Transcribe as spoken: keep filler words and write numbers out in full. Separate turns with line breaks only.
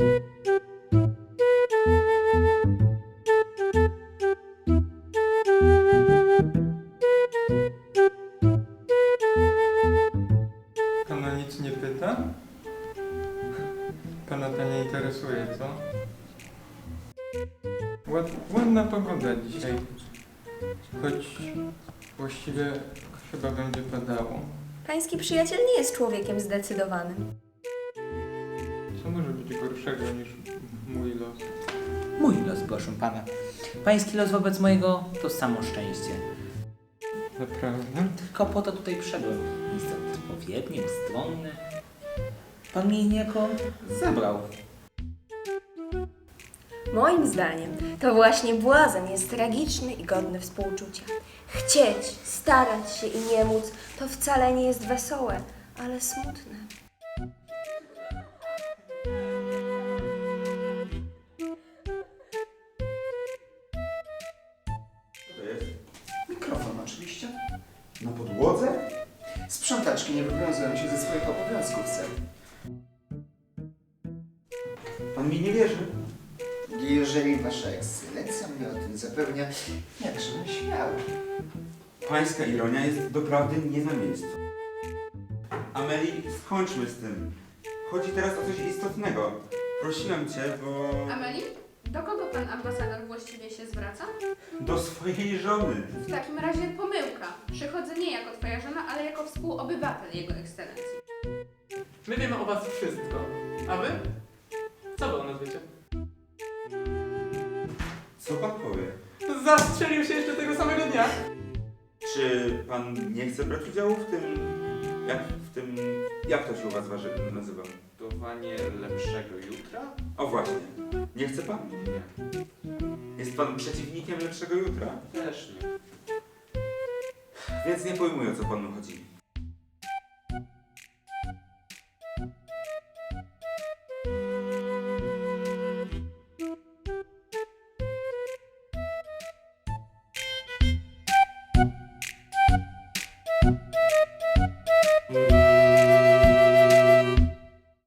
Pana nic nie pyta? Pana to nie interesuje, co? Ład, ładna pogoda dzisiaj. Choć właściwie chyba będzie padało.
Pański przyjaciel nie jest człowiekiem zdecydowanym.
Co może być gorszego niż mój los?
Mój los, proszę pana. Pański los wobec mojego to samo szczęście.
Naprawdę?
Tylko po to tutaj przyszedłem. Jest odpowiedni, ustronny. Pan mnie niejako zabrał.
Moim zdaniem to właśnie błazen jest tragiczny i godny współczucia. Chcieć, starać się i nie móc to wcale nie jest wesołe, ale smutne.
Co to jest? Mikrofon oczywiście. Na podłodze? Sprzątaczki nie wywiązują się ze swoich obowiązków, ser.
Pan mi nie wierzy?
Jeżeli wasza ekscelencja mnie o tym zapewnia, jakżebym śmiał.
Pańska ironia jest doprawdy nie na miejscu. Ameli, skończmy z tym. Chodzi teraz o coś istotnego. Prosiłem cię, bo...
Ameli, do kogo pan ambasador właściwie się zwraca?
do swojej żony.
W takim razie pomyłka. Przychodzę nie jako twoja żona, ale jako współobywatel jego ekscelencji.
My wiemy o was wszystko. A wy? Co wy o nas wiecie?
Co pan powie?
Zastrzelił się jeszcze tego samego dnia.
Czy pan nie chce brać udziału w tym... Jak w tym... Jak to się u was waży, nazywa?
Budowanie lepszego jutra?
O właśnie. Nie chce pan?
Nie.
Jest pan przeciwnikiem lepszego jutra.
Też nie.
Więc nie pojmuję, o co panu chodzi.